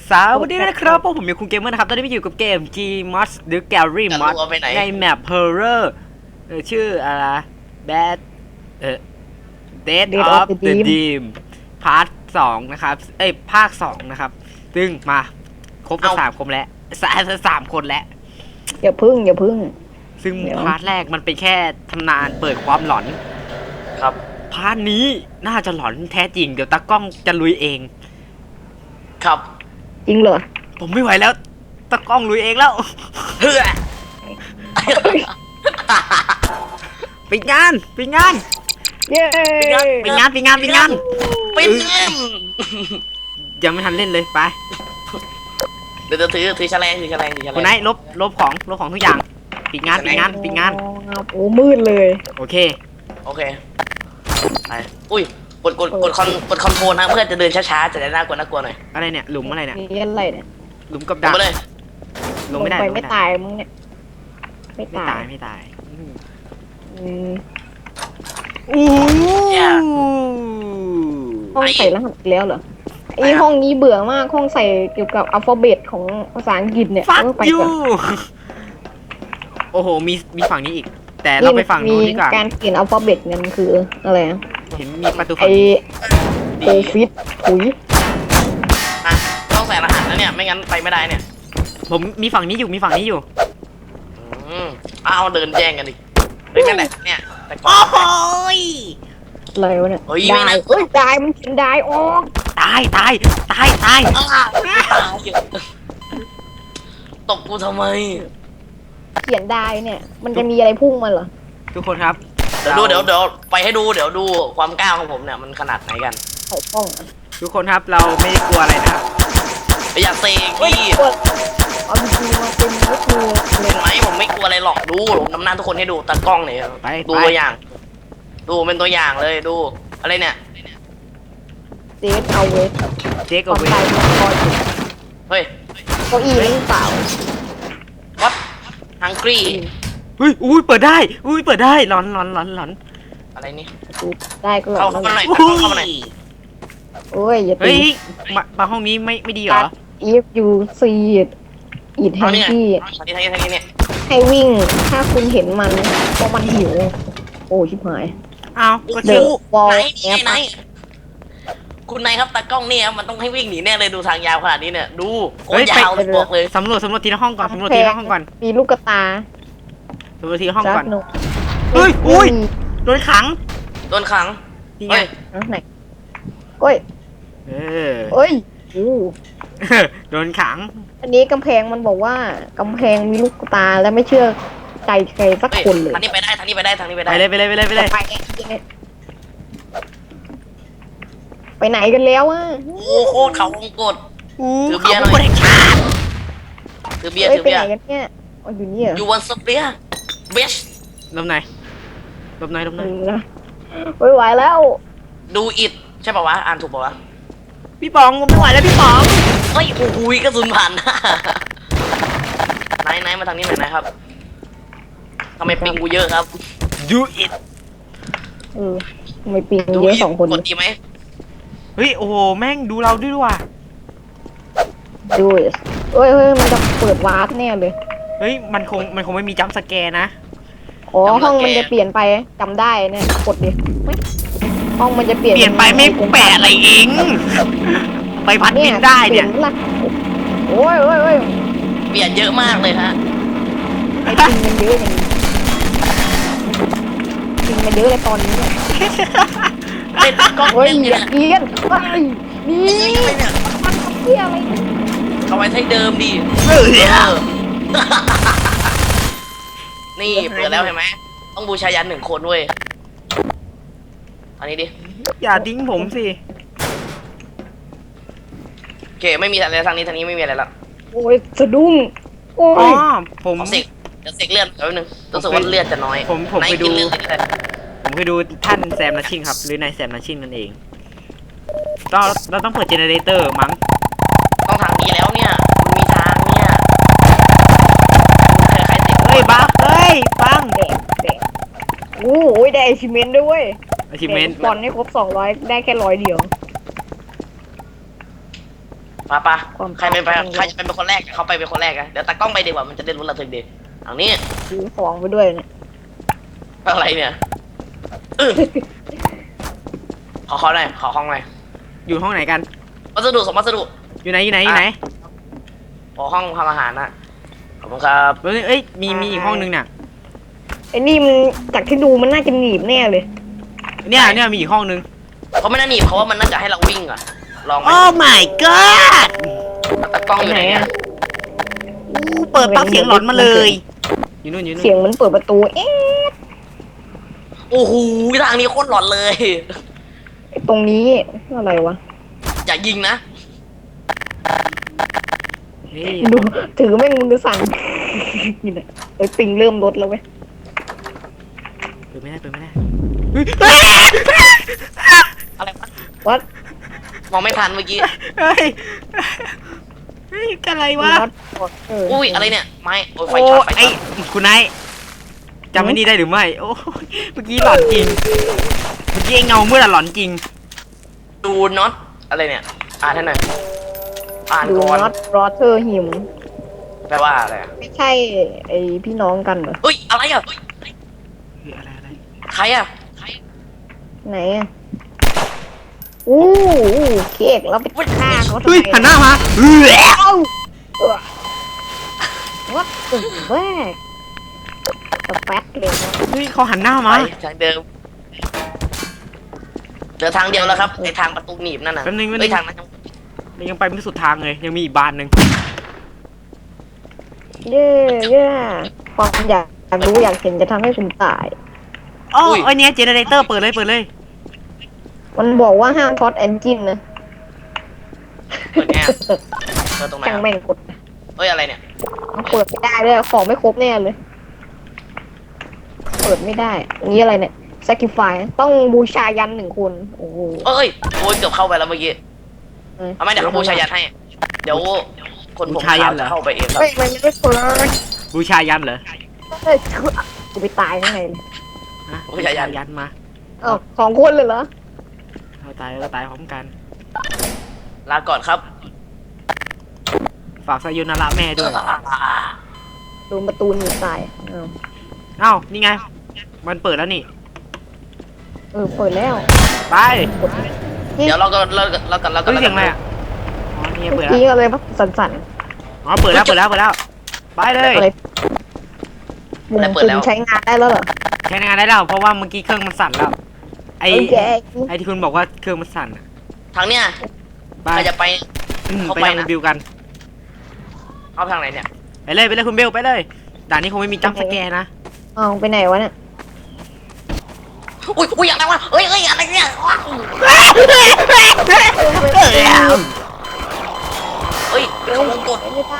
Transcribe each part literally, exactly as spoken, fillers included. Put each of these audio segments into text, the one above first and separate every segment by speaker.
Speaker 1: สวัสดีนะครับพวกผมอยู่คุณเกมเมอร์นะครับตอนนี้ไปอยู่กับเกม Gmod หรือ Gary Mod ในแมป Horror เออชื่ออะไร Bad เออ Dead of the Dream พาร์ทสองนะครับเอ้ยภาคสองนะครับซึ่งมาครบสามคนแล้วสามสามคนแล้ว
Speaker 2: อย่าพึ่งอย่าพึ่ง
Speaker 1: ซึ่งพาร์ทแรกมันเป็นแค่ทำนานเปิดความหลอน
Speaker 3: ครับ
Speaker 1: พาร์ทนี้น่าจะหลอนแท้จริงเดี๋ยวตากล้องจะลุยเอง
Speaker 3: ครับ
Speaker 2: จริงเหรอ
Speaker 1: ผมไม่ไหวแล้วตากล้องลุยเองแล้ว
Speaker 3: เฮ้ย
Speaker 1: ปิดงานปิดงาน
Speaker 2: เย้
Speaker 1: ปิดงานปิดงานปิดงาน
Speaker 3: ปิดงาน
Speaker 1: ยังไม่ทันเล่นเลยไป
Speaker 3: เดี๋ยวถือถือแฉลงถือแฉลงถือแฉลง
Speaker 1: คุณนายลบลบของลบของทุกอย่างปิดงานปิดงานปิดงาน
Speaker 2: โอ้มืดเลย
Speaker 1: โอเค
Speaker 3: โอเคไปอุ้ยกดกดกดคอนกดคอนโทรลนะเพื่อจะเดินช้าๆจะได้น่ากลัวน่ากลัวหน่อย
Speaker 1: อะไรเนี่ยหลุมอะไรเนี่ย
Speaker 2: นี่อะไรเนี่ย
Speaker 1: หลุมกับดัก
Speaker 3: เลย
Speaker 1: ลงไม่ได้
Speaker 2: ไม่ตายมึงเนี่ย
Speaker 1: ไม่ตายไม่ตาย
Speaker 2: อืม
Speaker 1: อู้
Speaker 2: ห้องใส่รหัสแล้วเหรอไอห้องนี้เบื่อมากห้องใส่เกี่ยวกับอัลฟาเบตของภาษาอังกฤษเนี่ย
Speaker 1: ไปก่อนโอ้โหมีมีฝั่งนี้อีกแต่เราไปฝั่งนู้นดีกว่า
Speaker 2: การเขียนอัลฟาเบตเนี่ยมันคืออะไร
Speaker 1: เห็นมีประตู
Speaker 2: ไอโคฟิตถุย
Speaker 3: อ่ะต้องใส่รหัสนะเนี่ยไม่งั้นไปไม่ได้เนี่ย
Speaker 1: ผมมีฝั่งนี้อยู่มีฝั่งนี้อยู่
Speaker 3: อืมเอาเดินแย่งกันดิเฮ้ยนั่นแหละเนี่ยแต่ก่อน
Speaker 1: โอ้ย
Speaker 2: อะไรวะเนี่ยได้เฮ้ยได้มันเขียนได้ออก
Speaker 1: ตายตายตายตาย
Speaker 3: ตบกูทำไม
Speaker 2: เขียนได้เนี่ยมันจะมีอะไรพุ่งมาเหรอ
Speaker 1: ทุกคนครับ
Speaker 3: เดี๋ยวดูเดี๋ยวเดี๋ยวไปให้ดูเดี๋ยวดูความกล้าของผมเนี่ยมันขนาดไหนกัน
Speaker 2: ไอ้ป้อง
Speaker 1: ทุกคนครับเราไม่ได้กลัวอะไรนะครับ
Speaker 3: อย่าเซกี้
Speaker 2: เอาจริงๆมาเป็นก็คือ
Speaker 3: เห็นไหมผมไม่กลัวอะไรหรอกดูผมนำหน้าทุกคนให้ดูตากล้องเนี่ยดูตัวอย่างดูเป็นตัวอย่างเลยดูอะไรเนี่ย
Speaker 2: เจ๊เอาเวท
Speaker 1: เจ๊เอาเวท
Speaker 3: เฮ้ย
Speaker 2: เก้าอี้หรือเปล่า
Speaker 3: วัดฮังกี้
Speaker 1: อุ้ยอุ้ยเปิดได้อุ้ยเปิดได้หลอนหลอนหลอนหลอน
Speaker 3: อะไรนี่
Speaker 2: ได้ก็หลอน
Speaker 3: เข้ามาหน่อยเข้ามาหน่อย
Speaker 2: โอ้ยอย่าตี
Speaker 1: เฮ้ยมามาห้องนี้ไม่ไม่ดีเหรอ
Speaker 2: if you see it it ให้ที่ให้วิ่งถ้าคุณเห็นมันเพราะมันหิวโอ้ชิบหาย
Speaker 1: อ้าว
Speaker 3: ก็เจอบอลไหนคุณนายครับตากล้องเนี่ยมันต้องให้วิ่งหนีแน่เลยดูทางยาวขนาดนี้เนี่ยดูโคตรยาวเลยบอกเลย
Speaker 1: สำรวจสำรวจทีละห้องก่อนสำรวจทีละห้องก่อน
Speaker 2: มีลูกกระตา
Speaker 1: สำรวจทีละห้องก่อนเฮ้ยอุ้ยโดนขัง
Speaker 3: โดนขัง
Speaker 1: นี่ไง
Speaker 2: ไหนโอ้ย
Speaker 1: เออ
Speaker 2: เอ้ย
Speaker 1: โดนขัง
Speaker 2: อันนี้กำแพงมันบอกว่ากำแพงมีลูกตาและไม่เชื่อใจใครสักคนเลย
Speaker 3: ทางนี้ไปได้ทางนี้ไปได้ทางนี้ไปได้
Speaker 1: ไปเลยไปเลยไปเลยไปเลย
Speaker 2: ไปไหนกันแล้วอ่ะ
Speaker 3: โอ้โคตรเขาวงกด
Speaker 1: ถือเบียร์หน่อย
Speaker 3: ถือเบียร์ถือเบียร์
Speaker 2: ไปไหนกันเนี่ยอยู่นี่
Speaker 3: อยู่บนสเปียร์เบส
Speaker 1: ลบไหนลบไหนลบไหน
Speaker 2: ไม่ไหวแล้ว
Speaker 3: ดูอิดใช่ป่าวะอ่านถูกป่าวะ
Speaker 1: พี่ป๋องผมไม่ไหวแล้วพี่ป๋อง
Speaker 3: เฮ้ยโอ้ยกระสุนผ่านไหนไหนมาทางนี้หน่อยนะครับทำไมปิงกูเยอะครับ
Speaker 1: ดูอิด
Speaker 2: เออทำไมปิงเยอะสองคน
Speaker 3: กดดีไหม
Speaker 1: เฮ้ยโอ้โหแม่งดูเราด้วยว่ะ
Speaker 2: ดูเฮ้ยเฮ้ยมันจะเปิดวาร์ปแน่เลย
Speaker 1: เฮ้ยมันคงมันคงไม่มีจัมป์สแกร์นะ
Speaker 2: อ๋อห้องมันจะเปลี่ยนไปจำได้เนี่ยกดดิห้องมันจะเปลี่ยน
Speaker 1: เปลี่ยนไปไม่แปะอะไรเองไปพัดบินได้เนี่ย
Speaker 2: โอ้ยโอ้ยโอ้ย
Speaker 3: เปลี่ยนเยอะมากเลยฮะ
Speaker 2: ไอ้ปิงมันเยอะอย่างนี้ปิงมันเยอะเลยตอนนี้เนี่ย
Speaker 3: เป็นกล้อง
Speaker 2: เอียนเอียนไปนี่มันเที่ยอะไร
Speaker 3: เอาไว้ให้เดิมดินี่เปิดแล้วเห็นไหมต้องบูชายันหนึ่งคนด้วยอันนี้ดิ
Speaker 1: อย่าทิ้งผมสิ
Speaker 3: โอเคไม่มีอะไรทางนี้ทางนี้ไม่มีอะไรแล้ว
Speaker 2: โอ้ยสะดุ้งโอ้
Speaker 1: ยผม
Speaker 3: เสกจะเสกเลือดแป๊บนึงรู้สึกว่าเลือดจะน้อย
Speaker 1: ผมผมไปดูผมไปดูท่านแซมนัชชิงครับหรือนายแซมนัชชิงนั่นเองเราเราต้องเปิดเจเนเรเตอร์มั้ง
Speaker 3: ต้องทางนี้แล้วเนี่ยมันมีทางเนี่ยใครติด
Speaker 1: เฮ้ยบังเฮ้ยบัง
Speaker 2: แดงแดงโอ้ยได้อชิเมนด้วย
Speaker 1: อชิเมน
Speaker 2: ตอนนี้ครบสองร้อยได้แค่ร้อยเดียว
Speaker 3: ปะปะใครเป็นไปใครจะเป็นคนแรกเขาไปเป็นคนแรกอะเดี๋ยวตากล้องไปดีกว่ามันจะได้รู้ระทึกดีเอานี้
Speaker 2: ถือของไปด้วยเนี่ย
Speaker 3: อะไรเนี่ยเออขอขอหน่อยขอห้องหน่อย
Speaker 1: อยู่ห้องไหนกัน
Speaker 3: วัสดุส่งวัสดุ
Speaker 1: อยู่ไหนอยู่ไหนอยู่ไหน
Speaker 3: ขอห้องทำอาหารนะขอบคุณครับ
Speaker 1: เอ้ยเอ้ยมีมีอีกห้องนึงน่ะ
Speaker 2: ไอ้นี่มันจากที่ดูมันน่าจะหนีบแน่เลย
Speaker 1: เนี่ยเนี่ยมีอีกห้องนึง
Speaker 3: เขาไม่น่าหนีบเขาว่ามันน่าจะให้เราวิ่งอะลองไหม
Speaker 1: โอ้ my god
Speaker 3: ตากล้องอยู่ไหนเนี่ย
Speaker 1: อู้เปิดปั๊บเสียงหลอนมาเลย อยู่นู่นอยู่นู่น
Speaker 2: เสียงมันเปิดประตู เอ๊ะ
Speaker 3: โอ้โหทางนี้โคตรหลอนเลย
Speaker 2: ไอ้ตรงนี้อะไรวะ
Speaker 3: อย่ายิงนะ
Speaker 1: เฮ้ย
Speaker 2: ดูถือแม่งมือสั่นนี่แหละไอ้ปิงเริ่มลดแล้วเว้ย
Speaker 1: เปิดไม่ได้เปิดไม่ได้เฮ้ย
Speaker 3: อะไรวะ
Speaker 2: วัด
Speaker 3: มองไม่ทันเมื่อกี้
Speaker 1: เฮ้ยเฮ้ยอะไรวะ
Speaker 2: วัดเ
Speaker 3: อุ้ยอะไรเนี่ยไม้โอ้ยไฟ
Speaker 1: โอ้
Speaker 3: ช็อตไฟ
Speaker 1: ไอ้
Speaker 3: ช็อต
Speaker 1: คุณนายจำไม่นี่ได้หรือไม่โอ้ยเมื่อกี้หลอนจริงเมื่อกี้ไอ้เงาเมื่อหลอนจริง
Speaker 3: ดูน็อตอะไรเนี่ยอ่านให้หน่อยอ่าน
Speaker 2: ดู
Speaker 3: ก่อน
Speaker 2: น็อตรอเธอร์หิม
Speaker 3: แปลว่าอะไรอะ
Speaker 2: ไม่ใช่ไอพี่น้องกันเหรอ
Speaker 3: เฮ้ยอะไรอ่ะเฮ้ย
Speaker 1: เฮ้ยอะไรอะไร
Speaker 3: ใครอ่ะ
Speaker 2: ไหนอ่ะอู้อู้เค้กเราไปฆ่าเขาทำ
Speaker 1: เฮ้ย
Speaker 2: ไม
Speaker 1: หันหน้ามาเฮ้ย
Speaker 2: เอ้าเออวัดตึงแวกสแป๊ดเลยนะ
Speaker 1: เฮ้ยเขาหันหน้า
Speaker 3: ไป
Speaker 1: มา
Speaker 3: ทางเดิมเดินทางเดียวแล้วครับไอทางประตูหนีบนั่นน่ะ
Speaker 1: แป๊บนึงแป๊บนึ
Speaker 3: เฮ้ย
Speaker 1: ง
Speaker 3: ทางนั้นยัง
Speaker 1: มันยังไปไม่สุดทางเลยยังมีอีกบานหนึ่ง
Speaker 2: เย่เย่ความอยากอยากรู้อยากเห็นจะทำให้คุณตาย
Speaker 1: อ๋อไอเนี้ยเจเนเรเตอร์เปิดเลยเปิดเลย
Speaker 2: มันบอกว่าห้ามท็อตแอนจินนะ
Speaker 3: เปิดแง่เปิดตรงไหน
Speaker 2: ช่าง
Speaker 3: อะ
Speaker 2: แม่งกด
Speaker 3: เฮ้ยอะไรเนี่ย
Speaker 2: มันเปิดไม่ได้เลยของไม่ครบแน่เลย เปิดไม่ได้อันนี้อะไรเนี่ย sacrifice ต้องบูชายันหนึ่งคนโอ้โห
Speaker 3: เอ้ยโอ้ยเกือบเข้าไปแล้วเมื่อกี้เอาไหมเดี๋ยวเขาบูชายันให้ เดี๋ยวคนผมขาวจะเข้าไปเองครับ
Speaker 2: เฮ้ยมันไม่ได้เปิด
Speaker 1: บูชายันเหรอ
Speaker 2: เฮ้ยกูไปตายข้างในเลย
Speaker 1: ฮะบูชายันมา
Speaker 2: เอ้าสองคนเลยเหรอ
Speaker 1: เราตายเราตายพร้อมกัน
Speaker 3: ลาก่อนครับ
Speaker 1: ฝากสยุนาระแม่ด้วย
Speaker 2: โดนประตูหนีบตายเอ้า
Speaker 1: เอ้านี่ไง มันเปิดแล้วนี่
Speaker 2: เออเปิดแล้ว
Speaker 1: ไป
Speaker 3: เดี๋ยวเราก็เราก็เราก็เราก็
Speaker 1: เฮ้ยเสียงอะไรอ่ะอ๋อนี่ไง
Speaker 2: เมื่
Speaker 1: เปิ
Speaker 2: อ
Speaker 1: ดแล้ว
Speaker 2: กี้อะไรปะสั่น
Speaker 1: อ๋อเปิดแล้วเปิดแล้วเปิดแล้วไปเล
Speaker 2: ๆ
Speaker 1: ย
Speaker 2: อะไรมุมตึงใช้งานได้แล้วเหรอ
Speaker 1: ใช้งานได้แล้วเพราะว่าเมื่อกี้เครื่องมันสั่นแล้วไอ
Speaker 2: โอเค
Speaker 1: ไอที่คุณบอกว่าเครื่องมันสั่นอะ
Speaker 3: ทางเนี้ย
Speaker 1: ไป
Speaker 3: ใครจะไป
Speaker 1: อืม
Speaker 3: เข้า
Speaker 1: ไป
Speaker 3: ไป
Speaker 1: ทาง
Speaker 3: นะ
Speaker 1: รีวิวกัน
Speaker 3: เอาทางไหนเนี่ย
Speaker 1: ไปเลยไปเลยคุณเบลไปเลยด่านนี้คงไม่มีจัมป์สแกร์นะ
Speaker 2: เอาไปไหนวะเนี่ย
Speaker 3: อุ้ยอุ้ยอะไรวะเฮ้ยเฮ้ยอะไรเนี่ยว้าวเฮ้ยเขาวงกด
Speaker 2: ไม่ได้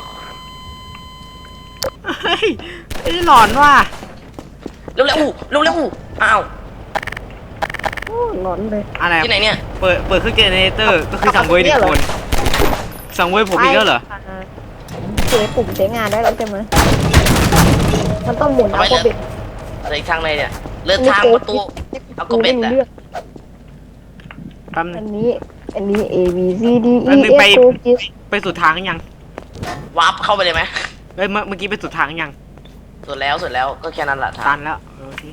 Speaker 1: เฮ้ยไอ้หลอนว่ะ
Speaker 3: เร็วเร็วเร็วเร็วอ้าว
Speaker 2: โอ้หลอนเลย
Speaker 1: อะไร
Speaker 3: ที่ไหนเนี่ย
Speaker 1: เปิดเปิดเครื่องเจเนเรเตอร์ก็คือสั่งเวยหนึ่งคนสั่งเวยผมอีกแล้วเหรอ
Speaker 2: เจปุ่มใช้งานได้แล้วใช่ไหมมันต้องหมุนเอาโคเบ็ด
Speaker 3: อะไรทางไหนเนี่ยเลือดทางประตู เอาโคเบ็ดอะ
Speaker 1: แป๊บนึ
Speaker 2: อั
Speaker 1: ง
Speaker 2: นนี้ อันนี้ A B C D
Speaker 1: แป๊
Speaker 2: E
Speaker 1: บนึง
Speaker 2: F
Speaker 1: ไป
Speaker 2: O G
Speaker 1: ไปสุดทางยัง
Speaker 3: วาร์ปเข้าไปเลยไหม
Speaker 1: เฮ้ยเมื่อเมื่อกี้ไปสุดทางยัง
Speaker 3: สุดแล้วสุดแล้วก็แค่นั้นแหละ
Speaker 1: ตั
Speaker 3: ทาง
Speaker 1: นแล้วโอเค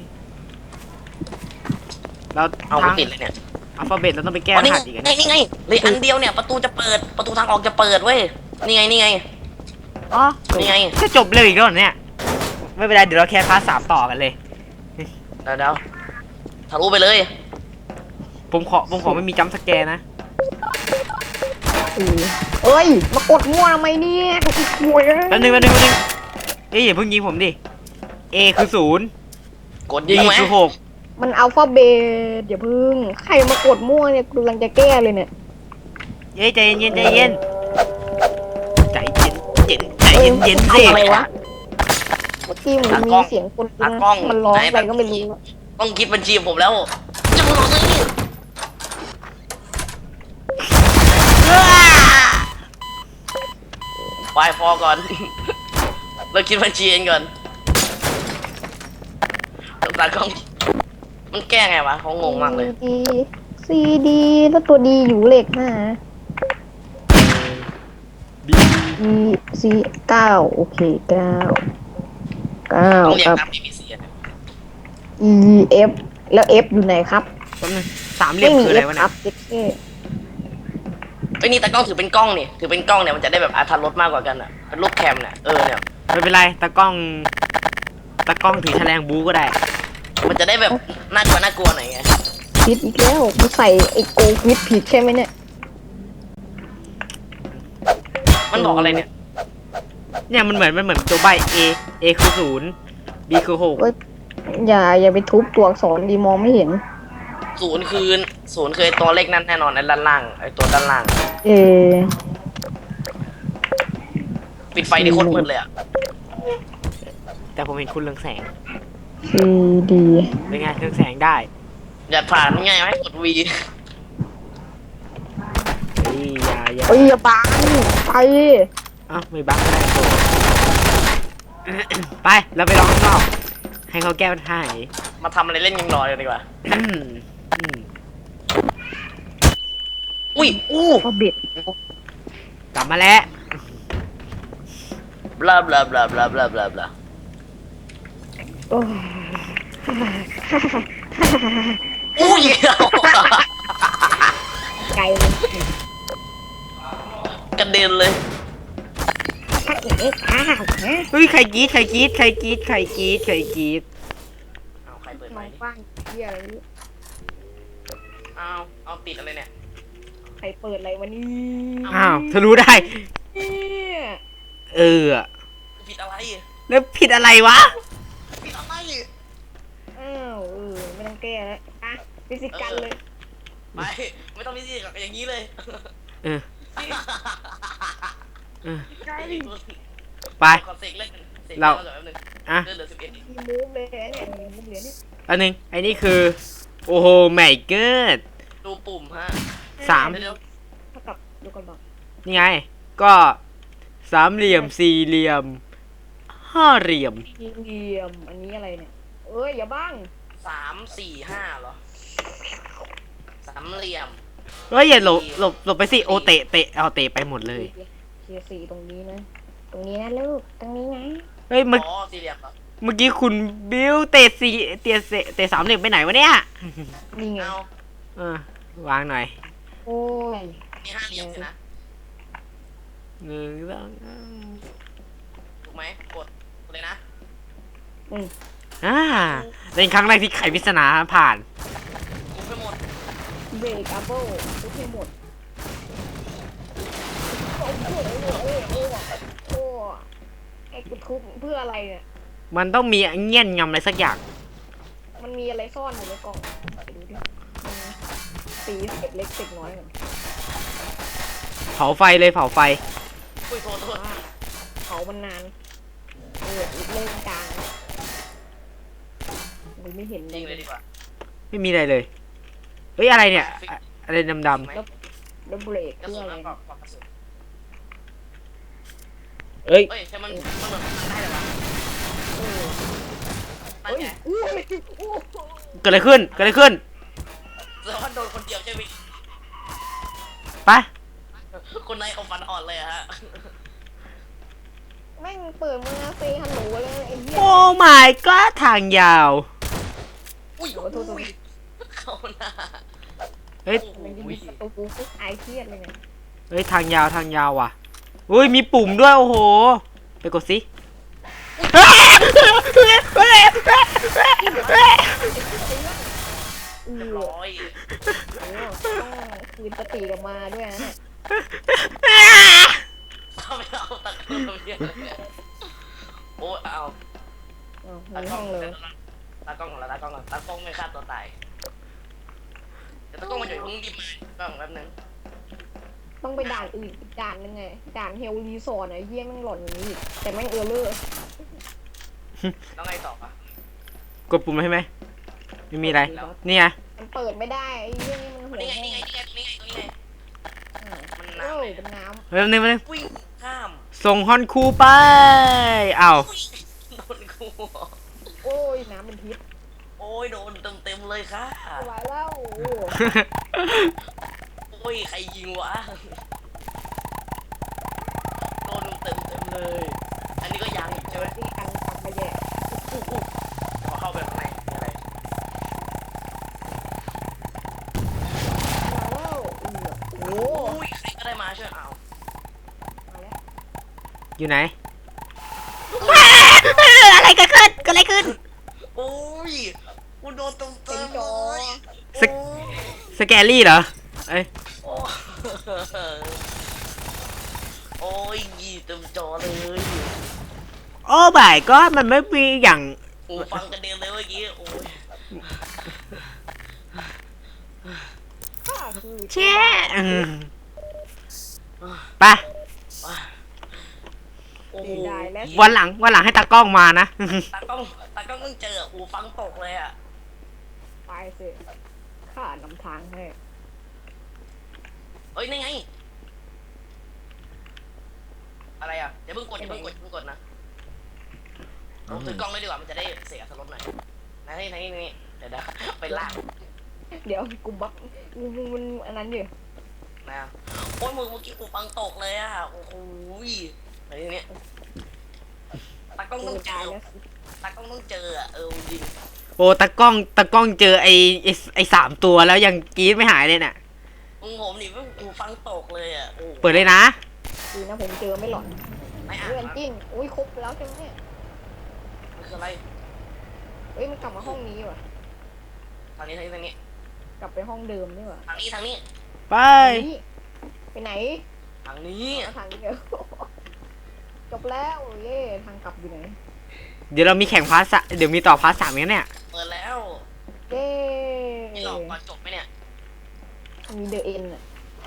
Speaker 1: เรา
Speaker 3: เอา
Speaker 1: ทาง
Speaker 3: ติดเลยเนี่ย
Speaker 1: อัลฟาเบตเราต้องไปแก้
Speaker 3: อ๋อ
Speaker 1: ร
Speaker 3: นี่
Speaker 1: หั
Speaker 3: ไง
Speaker 1: สอีกอัน
Speaker 3: นี่นี่ไงเลยอันเดียวเนี่ยประตูจะเปิดประตูทางออกจะเปิดเว้ยนี่ไงนี่ไง
Speaker 1: อ๋อ
Speaker 3: นี่ไง
Speaker 1: จะจบเร็วอีกแล้วเหรอเนี่ยไม่เป็นไรเดี๋ยวเราแค่พาร์ทสามต่อกันเลย
Speaker 3: เดี๋ยวเดี๋ยวทะลุไปเลย
Speaker 1: ผมขอผมขอไม่มีจัมป์สแกร์นะ
Speaker 2: เอ้ย มากดมั่วทำไมเนี่ยกลัวเลย
Speaker 1: แป๊บนึงแป๊บนึงแป๊บนึงเอ้ยอย่าเพิ่งยิงผมดิ A คือศูนย์
Speaker 3: กด
Speaker 1: D
Speaker 3: ยิงไหม
Speaker 1: คือหก
Speaker 2: มันอัลฟาเบตอย่าพึ่ง ใครมากดมั่วเนี่ยกำลังจะแก้เลยเนี่ย
Speaker 1: เย้ใจเย็นใจเย็นใจเย็นเย็นใจเย็นเย็นสิ
Speaker 2: อะไรวะเมื่อกี้มันมีเสียงคน
Speaker 3: ตากล้อง
Speaker 2: มันร้องอะไรก็ไม่รู้อะ
Speaker 3: ต้องคิดบัญชีผมแล้วจังหวะนี้ไปพอก่อน เราคิดบัญชีเองก่อนตากล้องมันแก้ไงวะเขางงมากเลย
Speaker 2: ดีซีดีแล้วตัวดีอยู่เลขห้า E C เก้าโอเคเก้าเก้า
Speaker 3: ต้องเรีย
Speaker 2: ค
Speaker 3: ง
Speaker 2: รับ
Speaker 3: ตาม เอ บี ซี อ่ะ
Speaker 2: E F แล้ว F อยู่ไหนครับ
Speaker 1: แป๊บนึงสามเหลี่ย
Speaker 2: ไม่
Speaker 1: ม
Speaker 2: มี
Speaker 1: คืออะไร
Speaker 2: F
Speaker 1: วะ
Speaker 2: ค
Speaker 1: เนี่
Speaker 2: รั
Speaker 1: ย
Speaker 2: บเจ๊เก้
Speaker 3: ไอ้ยนี่ตากล้องถือเป็นกล้องนี่ถือเป็นกล้องเนี่ยมันจะได้แบบอรรถรสมากกว่ากันอ่ะเป็นรูปแคมเนี่ยเออเนี่ย
Speaker 1: ไม่เป็นไรตากล้องตากล้องถือแฉลงบูก็ได้
Speaker 3: มันจะได้แบบน่ากลัวน่ากลัวหน่อยไง
Speaker 2: ผิดอีกแล้วกูใส่ไอ้โกวิดผิดใช่ไหมเนี่ย
Speaker 3: มันบอกอะไรเนี่ย
Speaker 1: เนี่ยมันเหมือนมันเหมือนตัวใบ A A คือศูนย์ B คือหก
Speaker 2: เอ้ยอย่าอย่าไปทุบตัวอักษรดีมองไม่เห็น
Speaker 3: ศูนย์คือศูนย์คือไอ้ตัวเลขนั้นแน่นอนไอ้ด้านล่างไอ้ตัวด้านล่าง
Speaker 2: เอ
Speaker 3: ปิดไฟที่โคตรมืดเลยอ่ะ
Speaker 1: แต่ผมเห็นคุณเรืองแสง
Speaker 2: C D
Speaker 1: เป็นไงเรืองแสงได้
Speaker 3: อย่าผ่านง่ายไหมกด V
Speaker 1: เฮ้ยอย่าอย่า
Speaker 2: เอ้ยอย่าบังไป
Speaker 1: เอ้าไม่บังก็ได้โต ไปเราไปลองข้างนอก ให้เขาแก้ปัญหาให้
Speaker 3: มาทำอะไรเล่นยิงรอเลยดีกว่า
Speaker 1: อืมอืม
Speaker 3: อุ้ยอู้
Speaker 2: ก็เบ็ด
Speaker 1: กลับมาแล้ว
Speaker 3: บลาบลาบลาบลาบลาบลาบลา
Speaker 2: โอ้ย
Speaker 3: อู้ย
Speaker 2: ไกล
Speaker 3: กระเด็นเลย
Speaker 2: ถ้าเอ๊ะข้าวนะ
Speaker 1: เฮ้ยใครกรีดใครกรีดใครกรีดใครกรีดใครกรีด
Speaker 3: เอาใครเปิด
Speaker 2: ม
Speaker 3: ไม
Speaker 2: อง
Speaker 3: ค์
Speaker 2: กว้างเหี้ยอะไรไม่รู้
Speaker 3: เอาเอาติดอะไรเนี่ย
Speaker 2: ใครเปิดอะไรวะนี่
Speaker 1: อ้าวเธอรู้ได้
Speaker 2: เนี่ย
Speaker 1: เออ
Speaker 3: ผิดอะไร
Speaker 1: แล้วผิดอะไรวะ
Speaker 3: ผิดอะไร
Speaker 2: อ้าวเออไม่ต้องแก้แล้วอ่ะฟิสิกันเลย
Speaker 3: ไปไม่ต้องมีสิกับอย่างนี้เลย
Speaker 1: เออเออ
Speaker 2: ไกล
Speaker 1: ไป
Speaker 3: ขอเสกเล่นเสก
Speaker 1: เรา
Speaker 3: เล่นแบบนึง
Speaker 1: อ่ะ
Speaker 3: เลือดเหลือสิบเอ็ด
Speaker 2: มีมูฟเลยเนี่ยมีมูฟเหรียญนี่
Speaker 1: อันหนึ่งไอ้นี่คือ โอ้โหไม่เกิด
Speaker 3: ดูปุ่มฮะ
Speaker 1: สาม
Speaker 3: เดี๋ยว
Speaker 2: เท่ากับดูก่อนบอก
Speaker 1: นี่ไง ก็สามเหลี่ยมสี่เหลี่ยมห้าเหลี่ยม
Speaker 2: สี่เหลี่ยมอันนี้อะไรเนี่ยเอ้ยอย่าบ้าง
Speaker 3: สามสี่ห้าเหรอสามเหลี่ยม
Speaker 1: เฮ้ยอย่าหลบหลบหลบไปสิโอเตะเตะเอาเตะไปหมดเลย
Speaker 2: เทียร์สี่ตรงนี้นะ ตรงนี้นะลูกตรงนี้นะ
Speaker 1: เฮ้ยเมื่อ
Speaker 3: อ๋อสี่เหลี่ยมเหรอ
Speaker 1: เมื่อกี้คุณบิวเตะสี่เตะเตะเตะสามเหลี่ยมไปไหนวะเนี่ย
Speaker 2: นี่ไง
Speaker 3: เอา
Speaker 1: เออวางหน่อย
Speaker 2: โอ้ย
Speaker 3: มีห้าเหลี่ยมสินะ
Speaker 1: หนึ่งสอง
Speaker 3: ถูกไหมกดกดเลยนะ
Speaker 2: อืม
Speaker 1: อ่าเป็นครั้งแรกที่ไขปริศนาผ่าน
Speaker 3: ถูกไปหมด
Speaker 2: เบรกอัพเบิลทุกให้หมดโอ้โหโอ้โหโอ้โหโอ้โหไอ้กูทุบเพื่ออะไรเนี่ย
Speaker 1: มันต้องมีเงี้ยนงำอะไรสักอย่าง
Speaker 2: มันมีอะไรซ่อนอยู่ในกล่องไปดูดิอืมสีเศษเล็กเศษน้อยก่อน
Speaker 1: เผาไฟเลยเผาไฟ
Speaker 3: อุ้ยโทษโทษ
Speaker 2: ว่าเผามันนานเอออีกเล่นกลางมันไม่เห็น
Speaker 3: จริงเลยดีกว่า
Speaker 1: ไม่มีอะไรเลย เฮ้ยอะไรเนี่ยอะอะไรดำ
Speaker 3: ไหม
Speaker 2: แล้วเบรก
Speaker 3: กระ
Speaker 2: เพื่อ
Speaker 3: สุน
Speaker 2: อะไร
Speaker 3: นะปอกปอกกระสุน
Speaker 1: ๆเอ้ย
Speaker 3: เอ้ยใช่มันมันเหมือนมันได้เลยวะ
Speaker 2: เออ
Speaker 3: นั่น
Speaker 2: เฮ้ย
Speaker 3: ไง
Speaker 2: อู้ยอู้
Speaker 1: เกิดอะไรขึ้นเกิดอะไรขึ้น
Speaker 3: แล้วมันโดนคนเดียวใช่ไหม
Speaker 1: ไป
Speaker 3: คนในเอาฟันอ่อนเลยอะฮะ
Speaker 2: แม่งเปิดมือเซฮัลโหลเลยไอ้เหี้ย
Speaker 1: โอ้ my god ทางยาว
Speaker 3: อุ้ย
Speaker 2: โอ้โทษโทษ
Speaker 3: เข้าหน้า
Speaker 1: เฮ้ย
Speaker 3: โอ้โห
Speaker 2: มันยิงประตูปุ๊บไอเครียดเลยเนี่ย
Speaker 1: เฮ้ยทางยาวทางยาวว่ะอุ้ยมีปุ่มด้วยโอ้โห ไปกดสิ
Speaker 2: อือ
Speaker 3: ร้อย
Speaker 2: โอ้ต้องคืนสติกลับมาด้วยนะเนี่ย
Speaker 3: เข้าไม่เอาตะกล้องเพี้ยนเลยโอ้เอา
Speaker 2: อ๋อ
Speaker 3: ตา
Speaker 2: มี
Speaker 3: กล้
Speaker 2: ห้
Speaker 3: อ
Speaker 2: อง งเลย
Speaker 3: ตากล้องของเราตากล้องก่อนตากล้องไม่ฆ่าตัวตายเดี๋ยวตากล้องมาอยู่เพิ่งดิบมาก็แป๊บนึง
Speaker 2: ต้องไปด่านอื่นอีกด่านนึงไงด่านเฮลรีสอร์ทไอ้เหี้ยแม่งหล่อนอย่างนี้อีกแต่แม่งเออร์เลอร์
Speaker 3: แล้วไงต่อปะ
Speaker 1: กดปุ่มให้ไหมไม่มีอะไรนี่ไง
Speaker 2: มันเปิดไม่ได้ไอ้เหี้ยนี่มันหัว
Speaker 3: นี่ไง
Speaker 2: ห้อง
Speaker 3: นี่ไงนี่ไงนี่ไงนี่ไง
Speaker 2: อ่า
Speaker 3: มัน
Speaker 2: โอ้
Speaker 3: น้ำเลย
Speaker 2: เป็นน้
Speaker 1: เฮ้ยนี่มาเลย
Speaker 3: วิ่งข้าม
Speaker 1: ส่งฮอนคูไปอ้าว
Speaker 3: โดนกู
Speaker 2: ำโอ้ยน้ำเป็นพิษ
Speaker 3: โอ้ยโดนเต็มเต็มเลยค่ะ
Speaker 2: ไม่ไหวแล้วโอ้
Speaker 3: โอ้ยใครยิงวะโดนยอันนี้ก็ยังอีกใช่ไหม
Speaker 2: ที่อันทำมาแย่
Speaker 3: อู้อู้พอเข้าไปข้างในมีอะไร
Speaker 2: มาแล้วโอ้โห
Speaker 3: อุ้ยใครก็ได้มาช่วยเอา
Speaker 2: มาแล้ว
Speaker 1: อยู่ไหน อะไรเกิดขึ้นเกิดอะไรขึ้น
Speaker 3: โอ้ยกูโดนตรงเติมเลย
Speaker 1: สก สแกรี่เหรอเอ้ย
Speaker 3: โอ้โอ้ยยี่เต็มจอเลย
Speaker 1: โอ้บ่ายก็มันไม่มีอย่าง
Speaker 3: โอ้ฟังกันเด็นเลยเมื่อกี้โอ้ย
Speaker 2: ข้าคือ
Speaker 1: แช่อืมไป
Speaker 3: โอ้โห
Speaker 2: เสียดายและ
Speaker 1: วันหลังวันหลังให้ตากล้องมานะ
Speaker 3: ตากล้องตากล้องต้องเจอโอ้ฟังตกเลยอ่ะ
Speaker 2: ไปสิข้านำทางให้
Speaker 3: เอ้ยนี่ไงอะไรอ่ะอย่าเพิ่งกดอย่าเพิ่งกดอย่าเพิ่งกดนะเราถือกล้องเลยดีกว่ามันจะได้เสียสลดหน่อยนะนี่นี่นี่เดี๋ยวนะไปล่าง
Speaker 2: เดี๋ยวกูบักกูมันอันนั้นอยู่
Speaker 3: นะโอ้ยมือเมื่อกี้กูฟังตกเลยอ่ะโอ้โหไอ้นี่ตากล้องต้องเจ
Speaker 2: ตาย
Speaker 3: อ
Speaker 2: แล้ว
Speaker 3: ตากล้องต้องเจออ่ะเออจริง
Speaker 1: โอ้ตากล้องตากล้องเจอไอ้ไอ้ไอ้สามตัวแล้วยังกรี๊ดไม่หายเลยน่ะ
Speaker 3: มึงผมนี่กูฟังตกเลยอ่ะโอ้
Speaker 1: เปิดเลยนะ
Speaker 2: ดีนะผมเจอไม่หลอน
Speaker 3: ไม่อ่า
Speaker 2: เรื่องจริงอุ้ยครบแล้วใช่ไหมเนี่ย
Speaker 3: มันคืออะไร
Speaker 2: เฮ้ยมันกลับมาห้องนี้ว่ะ
Speaker 3: ทางนี้ทางนี้ทางนี้
Speaker 2: กลับไปห้องเดิมนี่ว่ะ
Speaker 3: ทางนี้ทางนี้
Speaker 1: ไป
Speaker 2: นี่ไปไหน
Speaker 3: ทางนี้
Speaker 2: เอาทางนี้เดียวจบแล้วเย่ทางกลับอยู่ไหน
Speaker 1: เดี๋ยวเรามีแข่งพาร์ทสะเดี๋ยวมีต่อพาร์ทสามกันเนี่ย
Speaker 3: เปิดแล้ว
Speaker 2: เย่
Speaker 3: นี่หลอกก่อนจบไหมเนี่ย
Speaker 2: มีเดอะเอ็นอ่ะ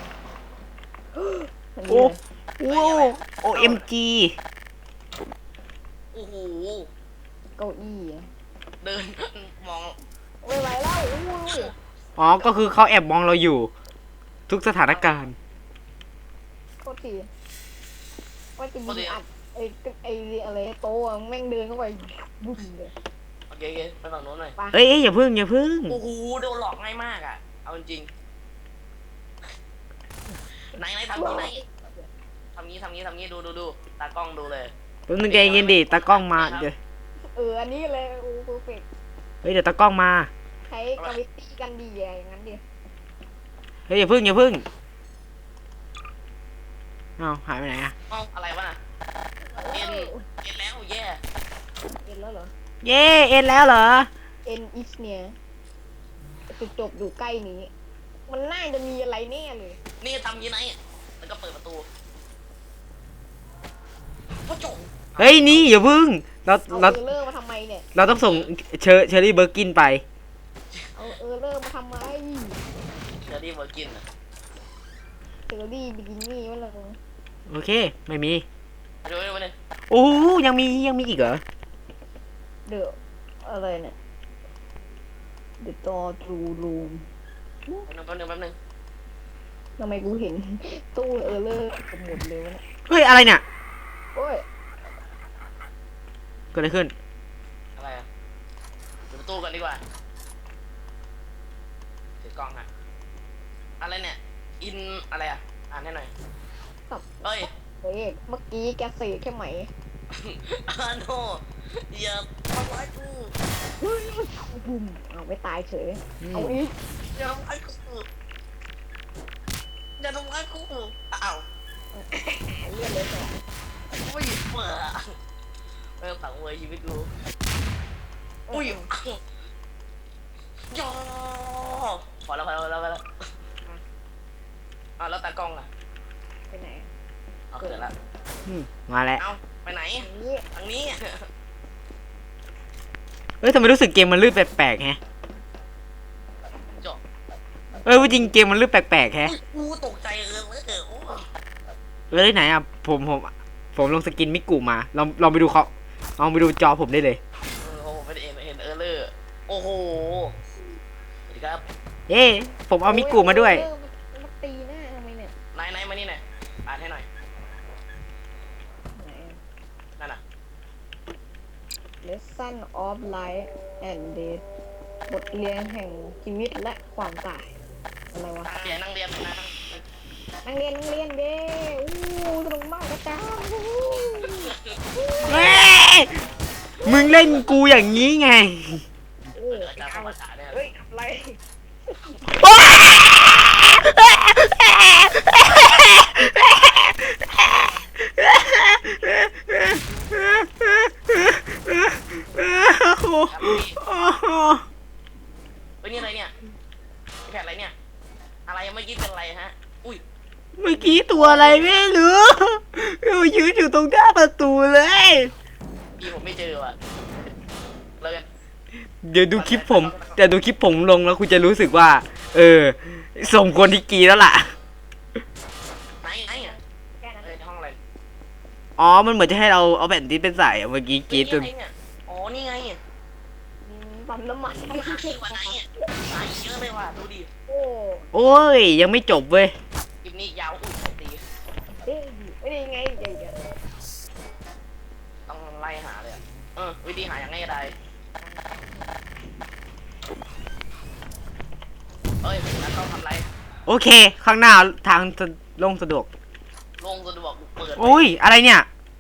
Speaker 2: มันมี
Speaker 1: โอ้
Speaker 2: อะไร
Speaker 1: โอ้โอเอ็มจี
Speaker 3: โอ้โห
Speaker 2: เก้าอี้อะ
Speaker 3: เดินมอง
Speaker 2: ไม่ไหวแล้วอุ้ย
Speaker 1: อ๋อก็คือเขาแอบมองเราอยู่ ทุกสถานการณ์
Speaker 2: โคตรทีว่าจะยิงอัดไอ้ไอ้อะไรโต๊ะแม่งเดินเข้าไปบุ้มเลย
Speaker 3: โอเคโอเคไปฝั่งโน้นหน่อย
Speaker 1: เอ้ยเอ้ยอย่าพึ่งอย่าพึ่ง
Speaker 3: โอ้โหโดนหลอกง่ายมากอ่ะเอาจริงไหนไหนทำนี้ไหนทำนี้ทำนี้ทำนี้ดูดูดูตากล้องดูเลย
Speaker 1: แป๊บนึงใจเย็นดิตากล้องมาเดี๋ยว
Speaker 2: เอออันนี้เลยโอ้เพอร์เฟก
Speaker 1: เฮ้ยเดี๋ยวตากล้องมา
Speaker 2: ใช้กราวิตี้กันดีอะอย่างนั้นดิ
Speaker 1: เฮ้ยอย่าพึ่งอย่าพึ่งเอ้าหายไปไหนอะ
Speaker 3: เอ้าอะไรวะน่ะเอ็นเอ็นแล้วแย่
Speaker 2: เอ็นแล้วเหรอ
Speaker 1: เย่เอ็นแล้วเหรอ
Speaker 2: เอ็นอิสเนี่ยจุดจบอยู่ใกล้นี้ มันน่าจะมีอะไรแน่เลย
Speaker 3: นี่ทำยังไงแล้วก็เปิดประตูพ่อจง
Speaker 1: เฮ้ยนี่อย่าพึ่งเรา
Speaker 2: เอา
Speaker 1: เรา
Speaker 2: เออร์เลอร์มาทำไมเนี่ย
Speaker 1: เราต้องส่งเชอร์เชอรี่เบอร์กินไป
Speaker 2: เอาเออร์เลอร์มาทำไม
Speaker 3: เชอรี่เวอร์กินอ่ะ
Speaker 2: เซอรี่บิกินี่มันเลย
Speaker 1: โอเคไม่มี
Speaker 3: ไปดูไปดูไปดู
Speaker 1: โอ้ยังมียังมีอีกเหรอ
Speaker 2: เดอะอะไรเนี่ย The door to room
Speaker 3: แป๊บนึงแป๊บนึงแป๊บนึง
Speaker 2: ทำไมกูเห็น ตู้เออร์เลอร์หมดเลยวะเนี่ย
Speaker 1: เฮ้ยอะไรเนี่ย
Speaker 2: โอ้ย
Speaker 1: เกิดอะไรขึ้น
Speaker 3: อะไรอ่ะดูประตูกันดีกว่าถือกล้องฮะอะไรเนี่ยอินอะไรอ่ะอ่านให้หน่อย
Speaker 2: ครับ
Speaker 3: เฮ้ย
Speaker 2: เฮ้ยเมื่อกี้แกเสกแค่ไหม
Speaker 3: อาโนอย่าทำร้ายกู
Speaker 2: บุ้มเอาไม่ตายเฉย
Speaker 1: อืม
Speaker 2: เอาอีก
Speaker 3: อย่าทำร้ายกูอย่าทำร้ายกูอ้าว
Speaker 2: เลื่อนเลยก่อน
Speaker 3: อุ้ยเบื่อไม่ต้องสั่งเวยชีวิตกูอุ้ยยอพอแล้วพอแล้วพอแล้วพอแล้วอ้าวแล้วตากล้องอ่ะ
Speaker 2: ไปไหน
Speaker 3: เอาเกิดแล้ว
Speaker 1: อืมมาแล้ว
Speaker 3: เอาไปไหน
Speaker 2: อันนี้
Speaker 3: ทางนี้
Speaker 1: เอ้ยทำไมรู้สึกเกมมันลื่นแปลกๆแฮะ
Speaker 3: จบ
Speaker 1: เอ้ยว่าจริงเกมมันลื่นแปลกๆแฮะ
Speaker 3: กูตกใจเออเลยเออโอ้
Speaker 1: เอ้ยไหนอ่ะผมผมผมลงสกินมิกุมาลองลองไปดูเขาลองไปดูจอผมได้เลย
Speaker 3: เออโอ้ไม่ได้เห็นเห็นเออเลอร์โอ้โหสวัสดีครับ
Speaker 1: เอ้ผมเอามิกุมาด้วย
Speaker 2: เออมันมันตีหน้าทำไมเนี่ย
Speaker 3: นายนายมานี่หน่อยอ่านให้หน่อย
Speaker 2: ไหนอะ
Speaker 3: นั่นน่ะ
Speaker 2: Lesson of Life and Death บทเรียนแห่งชีวิตและความตายอะไรวะ
Speaker 3: นั่งเรียนนั่งเรียนนะ
Speaker 2: นักเรียนนักเรียนเด้อู้สนุกมากนะจ๊ะอู้
Speaker 1: เล่นกูอย่างนี้ไง
Speaker 2: โอ้
Speaker 3: อาจารย์ภาษาเนี่ย
Speaker 2: เฮ้ยอะไร
Speaker 3: เฮ้ยนี่อะไรเนี่ยแผ่นอะไรเนี่ยอะไรยังไม่คิดเป็นอะไรฮะอุ้ย
Speaker 1: เมื่อกี้ตัวอะไรไม่รู้ยืนอยู่ตรงหน้าประตูเลย
Speaker 3: พี่ผมไม่เจอว่ะเลยกัน
Speaker 1: เดี๋ยวดูคลิปผมเดี๋ยวดูคลิปผมลงแล้วคุณจะรู้สึกว่า เออส่งคนที่กรีดแล้วล่ะ
Speaker 3: ไหนไหนอ่ะ
Speaker 2: แค่นั้น
Speaker 3: เอ้ยห้องอะไร
Speaker 1: อ๋อมันเหมือนจะให้เราเอาแผ่นดิสเป็นใส่อะเมื่อกี้กรีดจน
Speaker 3: เฮ้ยนี่ไงเนี่ยอ๋อนี่ไง
Speaker 2: อืมปั๊มน้ำมัน
Speaker 3: หาที่กว่าไหนอ่ะหาเยอะเลยว่ะดูดิ
Speaker 2: โอ้
Speaker 1: โอ้ยยังไม่จบเว้ย
Speaker 3: คลิปนี้ยาวอุ้ยตี
Speaker 2: เอ้ยไม่ได้ไงเดี๋ยว
Speaker 3: ต้องไล่หาเลยอะเออวิธีหาอย่างง่ายได้เอ้ยแล้วต้องทำไร
Speaker 1: โอเค ข้างหน้าทางจะลงสะดวก
Speaker 3: ลงสะดวกเปิด
Speaker 1: โอ้ยอะไรเนี่ย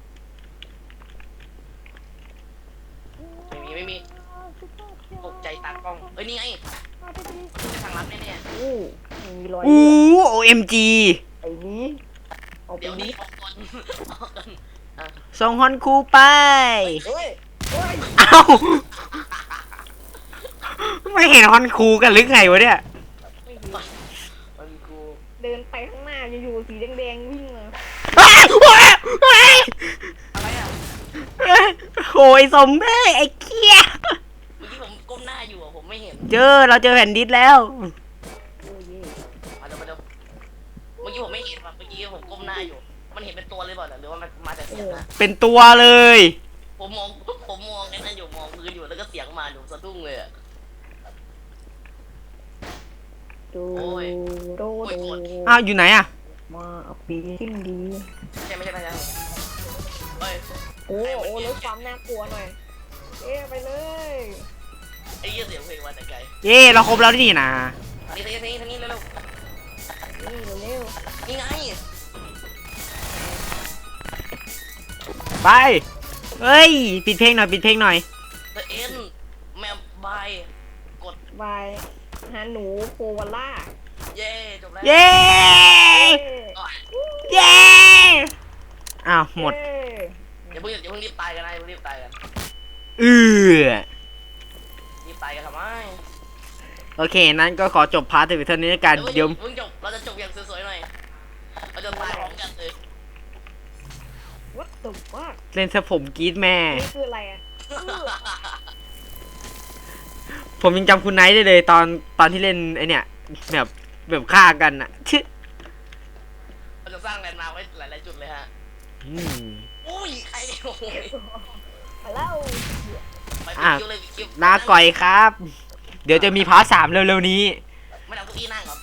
Speaker 3: ไม่มีไม่มีตกใจตากล้องเอ้ยนี่ไงทางลับแน่
Speaker 2: โอ้มีรอย
Speaker 1: อู้โอเอ็มจี
Speaker 2: ไอ้นี้เอา
Speaker 3: ๆ
Speaker 2: ไป
Speaker 3: เดี๋ยวนี้
Speaker 2: นี้
Speaker 3: ออกก่อนออกก่อนอ่ะ
Speaker 1: ส่งฮอนคูไป
Speaker 2: เฮ้ยเฮ้ย
Speaker 1: เอ้า ไม่เห็นฮอนคูกันหรือไงวะเนี่ย
Speaker 2: ไม่เห็น
Speaker 3: มันกู
Speaker 2: เดินไปข้างหน้าอยู่ๆสีแดงๆวิ่งมา
Speaker 1: อ้าวโอ้ยโอ้ย
Speaker 3: อะไรอ่ะ
Speaker 1: โอ้ยสมเบ้ยไอ้เกี้ย
Speaker 3: เมื่อกี้ผมก้มหน้าอยู่อ่ะผมไม่เห็น
Speaker 1: เจอเราเจอแผ่นดิสแล้ว
Speaker 2: โอ้ย
Speaker 3: มาเดี๋ยวมาเดี๋ยวเมื่อกี้ผมไม่เห็นว่ะเมื่อกี้ผมก้มหน้าอยู่ มันเห็นเป็นตัวเลยเปล่าหรือว่ามันมาจากเสียงนะ
Speaker 1: เป็นตัวเลย
Speaker 3: ผมมองผมมองไอ้นั่นอยู่มองพื้นอยู่แล้วก็เสียงมาอยู่สะดุ้งเลยอ่ะ
Speaker 2: ดู
Speaker 3: โอ้ย
Speaker 2: โด
Speaker 3: โอ้ย
Speaker 2: โด
Speaker 3: โกรธ
Speaker 1: อ้าวอยู่ไหนอะ
Speaker 2: มาเอาปีขึ้นดี
Speaker 3: ใช่ไม่ใช่ไม่ใช่เฮ้ย
Speaker 2: โอ้โอ้ลดความน่ากลัวหน่อย เอ๊ะไปเลย
Speaker 3: ไอ้เหี้ยเสียงเพลงมาแต่ไกล
Speaker 1: เย่เราครบแล้วนี่นะ
Speaker 3: นี่ทางนี้ทางนี้ทางนี้เร็ว
Speaker 2: นี่เร็ว
Speaker 3: ๆนี่ไง
Speaker 1: ไปเฮ้ยปิดเพลงหน่อยปิดเพลงหน่อย
Speaker 3: The End แมปบายกด
Speaker 2: ๆบายฮาหนูโควาล่า
Speaker 3: เย่จบแล้ว
Speaker 1: เย้
Speaker 2: เอ๊ะ
Speaker 3: อ๋อ
Speaker 1: เย้อ้าวหมด
Speaker 2: เอ๊ะ
Speaker 3: อย่าเพิ่งอย่าเพิ่งรีบตายกันนะอย่าเพิ่งรีบตายกัน
Speaker 1: เออ
Speaker 3: รีบตายกันทำไม
Speaker 1: โอเคนั้นก็ขอจบพาร์ทถึงเท่านี้แล้วกัน
Speaker 3: เดี๋ยว
Speaker 1: เดี๋ยว
Speaker 3: เพิ่งจบเราจะจบอย่างสวยๆหน่อยเราจะตายพร้อมกันเลย
Speaker 2: วัดตุกมาก
Speaker 1: เล่นซะผมกรีดแม่
Speaker 2: นี่คืออะไรอ่ะ
Speaker 1: ผมยังจำคุณไนท์ได้เลยตอนตอนที่เล่นไอเนี่ยแบบแบบฆ่ากันอะชึ
Speaker 3: เราจะสร้างแลนด์มาร์คไว้หลายๆจุดเลยฮะ
Speaker 1: อืม
Speaker 3: อุ้ยใครโอ้ย
Speaker 2: มาแล้ว
Speaker 3: ไป
Speaker 1: อ่ะ
Speaker 3: คิวเลยคิว
Speaker 1: ลาก่อยครับ เดี๋ยวจะมีพาร์ทสามเร็วๆนี้
Speaker 3: ไม่เอาเก้าอี้นั่งเหรอ